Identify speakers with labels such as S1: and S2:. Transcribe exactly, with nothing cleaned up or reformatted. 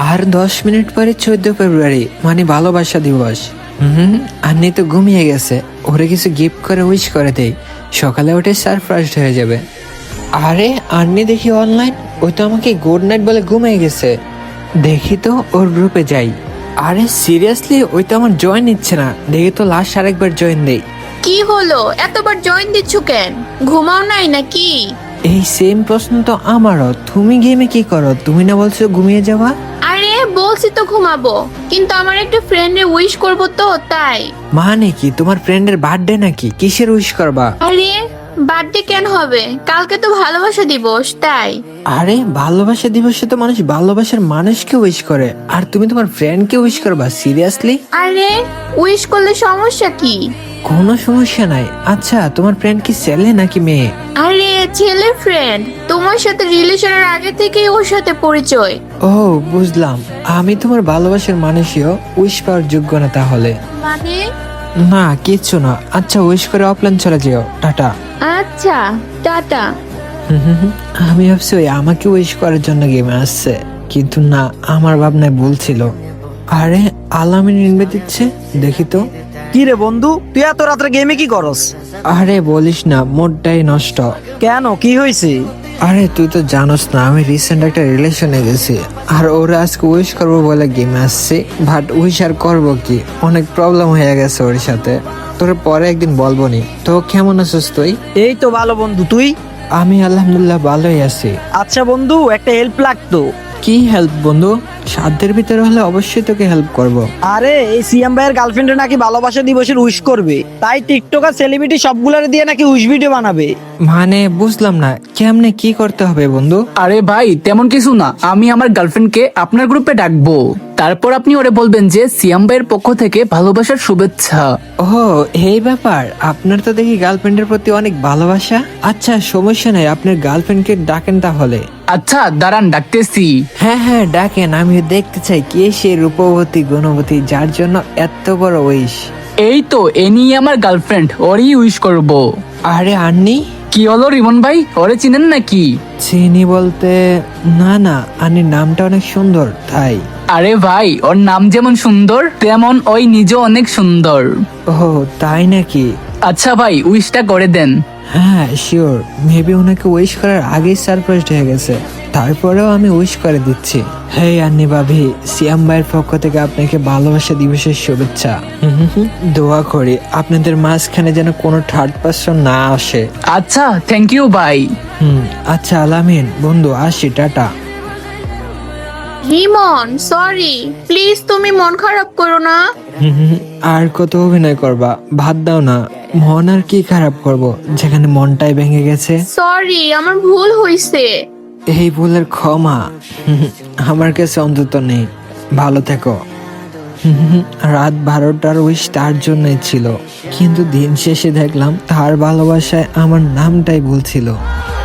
S1: আর দশ মিনিট পরে চোদ্দ ফেব্রুয়ারি মানে ভালোবাসা দিবস। হুম আন্নি তো ঘুমিয়ে গেছে, ওরে কিছু গিফট করে উইশ করে দেই, সকালে উঠে সারপ্রাইজড হয়ে যাবে। আরে আন্নি দেখি অনলাইন, ওই তো আমাকে গুড নাইট বলে ঘুমিয়ে গেছে। দেখি তো ওর গ্রুপে যাই। আরে সিরিয়াসলি ওই তো আমার জয়েন নিচ্ছে না, দেখি তো লাস্ট আরেকবার জয়েন দেই।
S2: কি হলো, এতবার জয়েন দিচ্ছ কেন? ঘুমাও নাই নাকি?
S1: এই সেম প্রশ্ন তো আমারও। তুমি গেমে কি করো? তুমি না বলছো ঘুমিয়ে যাওয়া?
S2: আরে বলছি তো ঘুমাবো, কিন্তু আমার একটা ফ্রেন্ডে উইশ করবো তো তাই।
S1: মানে কি তোমার ফ্রেন্ডের বার্থডে নাকি? কিসের উইশ করবা?
S2: আরে বার্থডে কেন হবে, কালকে তো ভালোবাসা দিবস তাই।
S1: আরে ভালোবাসা দিবসে তো মানুষ ভালোবাসার মানুষকে উইশ করে, আর তুমি তোমার ফ্রেন্ডকে উইশ করবা? সিরিয়াসলি?
S2: আরে উইশ করলে সমস্যা কি?
S1: কোনো সমস্যা নাই। আচ্ছা তোমার ফ্রেন্ড কি ছেলে নাকি মেয়ে?
S2: আরে ছেলে ফ্রেন্ড, তোমার সাথে রিলেশনের আগে থেকেই ওর সাথে পরিচয়।
S1: ও বুঝলাম, আমি তোমার ভালোবাসার মানুষও উইশ পাওয়ার যোগ্য না তাহলে?
S2: মানে?
S1: না কিচ্ছু না। আচ্ছা উইশ করে অফলাইন চলে যেও, টাটা।
S2: আচ্ছা টাটা।
S1: হুম হুম হুম, আমি ভাবছি ওই আমাকে উইশ করার জন্য গেমে আসছে, কিন্তু না, আমার ভাবনায় ভুল ছিল। আরে আলামিন ইনভাইট দিচ্ছে, দেখি তো।
S3: কি রে বন্ধু, তুই এত রাত্রে গেমে কি করস?
S1: আরে বলিস না, মোডটাই নষ্ট।
S3: কেন, কি হয়েছে?
S1: আরে তুই তো জানোস না, আমি রিসেন্ট একটা রিলেশনে গেছি, আর ওরা আজকে উইশ করবো বলে গেমে আসছে। বাট উইশ আর করবো কি, অনেক প্রবলেম হয়ে গেছে ওর সাথে। তোর পরে একদিন বলবো নি। তো কেমন আছিস তুই?
S3: এই তো ভালো বন্ধু, তুই?
S1: আমি আলহামদুলিল্লাহ ভালোই আছি।
S3: আচ্ছা বন্ধু, একটা হেল্প লাগতো।
S1: কি হেল্প বন্ধু? সাধ্যের ভিতরে হলে অবশ্যই তোকে হেল্প করব।
S3: আরে এই সিএম ভাইয়ের গার্লফ্রেন্ডে নাকি ভালোবাসা দিবসের উইশ করবে, তাই টিকটক আর সেলিব্রিটি সবগুলারে দিয়ে নাকি উইশ ভিডিও বানাবে।
S1: মানে বুঝলাম না, কেমনে কি করতে হবে বন্ধু?
S4: আরে ভাই তেমন কিছু না, আমি আমার গার্লফ্রেন্ডকে আপনার গ্রুপে ডাকবো, তারপর আপনি ওরে বলবেন যে সিয়াম ভাইয়ের পক্ষ থেকে ভালোবাসার শুভেচ্ছা।
S1: ও এই ব্যাপার, আপনার তো দেখি গার্লফ্রেন্ডের প্রতি অনেক ভালোবাসা। আচ্ছা সমস্যা নাই, আপনার গার্লফ্রেন্ডকে ডাকেন তাহলে।
S4: আচ্ছা দাঁড়ান ডাকতেছি।
S1: হ্যাঁ হ্যাঁ ডাকেন, আমি দেখতে চাই কে সে রূপবতী গুণবতী যার জন্য এত বড় উইশ।
S4: এই তো এনি আমার গার্লফ্রেন্ড, ওরই উইশ করব।
S1: আরে আন্নি?
S4: কি হলো রিমন ভাই, ওরে চিনেন নাকি?
S1: চিনি বলতে, না না, আন্নির নামটা অনেক সুন্দর তাই।
S4: আরে ভাই ওর নাম যেমন সুন্দর তেমন ওই নিজেও অনেক সুন্দর।
S1: ও তাই নাকি?
S4: আচ্ছা ভাই উইশটা করে দেন।
S1: হ্যাঁ শিওর, মেবি ওনাকে উইশ করার আগেই সারপ্রাইজ হয়ে গেছে, তারপরেও আমি উইশ করে দিচ্ছি। হে আন্নি ভাবি, সিয়াম ভাইয়ের পক্ষ থেকে আপনাকে ভালোবাসা দিবসের শুভেচ্ছা। হুম হুম হুম, দোয়া করি আপনাদের মাঝখানে যেন কোনো থার্ড পার্সন না আসে।
S4: আচ্ছা থ্যাংক ইউ ভাই।
S1: হুম আচ্ছা আলামিন বন্ধু, আসি, টাটা।
S2: রিমন সরি, প্লিজ তুমি মন খারাপ করো না।
S1: হুম হুম, আর কত অভিনয় করবা, ভাত দাও না। মন আর কি খারাপ করব, যেখানে মনটাই ভেঙে গেছে।
S2: সরি, আমার ভুল হইছে।
S1: এই ভুলের ক্ষমা হুম হুম, আমার কাছে অন্তত নেই। ভালো থেকো। হুম হুম, রাত বারোটার উইশ তার জন্যই ছিল, কিন্তু দিন শেষে দেখলাম তার ভালোবাসায় আমার নামটাই ভুল ছিল।